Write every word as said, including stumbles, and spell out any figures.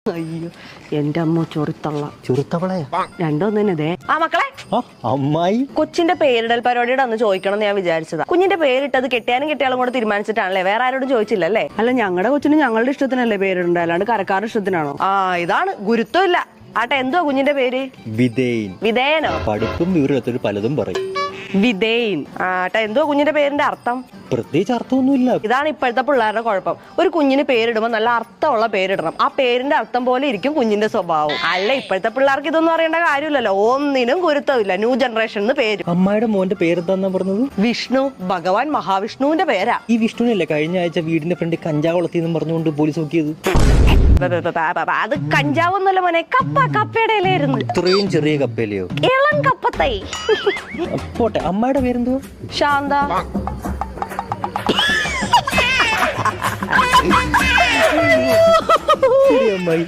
അയ്യോ എന്റെ അമ്മ ചൊറിത്തള്ള ചുരുത്തവളയാ രണ്ടൊന്നിനതേ ആ മക്കളെ അമ്മായി കൊച്ചിന്റെ പേരിടൽ പരിപാടിയുടെ അന്ന് ചോദിക്കണം എന്ന് ഞാൻ വിചാരിച്ചതാ. കുഞ്ഞിന്റെ പേരിട്ടത് കെട്ടിയാനും കെട്ടിയാലും കൂടെ തീരുമാനിച്ചിട്ടാണല്ലേ, വേറെ ആരോടും ചോദിച്ചില്ലല്ലേ? അല്ല ഞങ്ങളുടെ കൊച്ചിന് ഞങ്ങളുടെ ഇഷ്ടത്തിനല്ലേ പേരിടണ്ട, അല്ലാണ്ട് കരക്കാരുടെ ഇഷ്ടത്തിനാണോ? ആ ഇതാണ് ഗുരുത്വം ഇല്ല. ആട്ടെ എന്തുവാ കുഞ്ഞിന്റെ പേര്? വിധേയൻ. വിധേയനോ? പഠിപ്പും വിവരത്തിൽ പലതും പറയും. വിധേയൻ. ആട്ടെ എന്തുവാ കുഞ്ഞിന്റെ പേരിന്റെ അർത്ഥം? പ്രത്യേകിച്ച് അർത്ഥമൊന്നുമില്ല. ഇതാണ് ഇപ്പോഴത്തെ പിള്ളേരുടെ കുഴപ്പം. ഒരു കുഞ്ഞിന് പേരിടുമ്പോൾ നല്ല അർത്ഥമുള്ള പേരിടണം. ആ പേരിന്റെ അർത്ഥം പോലെ ഇരിക്കും കുഞ്ഞിന്റെ സ്വഭാവം. അല്ല ഇപ്പോഴത്തെ പിള്ളേർക്ക് ഇതൊന്നും അറിയേണ്ട കാര്യമില്ലല്ലോ. ഒന്നിനും ഗുരുത്വമില്ല. ന്യൂ ജനറേഷൻ പേര്. അമ്മായിയുടെ മോന്റെ പേരെന്താന്നാ പറഞ്ഞത്? വിഷ്ണു. ഭഗവാൻ മഹാവിഷ്ണുവിന്റെ പേരാ. ഈ വിഷ്ണുവിനല്ലേ കഴിഞ്ഞ ആഴ്ച വീടിന്റെ ഫ്രണ്ട് കഞ്ചാവ് വളർത്തിയെന്നും പറഞ്ഞുകൊണ്ട് പോലീസ് നോക്കിയത്? അത് കഞ്ചാവൊന്നുമല്ല മോനെ, കപ്പ. കപ്പയുടെ ഇലയായിരുന്നു. ഇത്രയും ചെറിയ കപ്പയിലെയോ? ഇളം കപ്പത്തൈ. പോട്ടെ, അമ്മായിയുടെ പേരെന്തോ? ശാന്ത. ശരി അമ്മായി.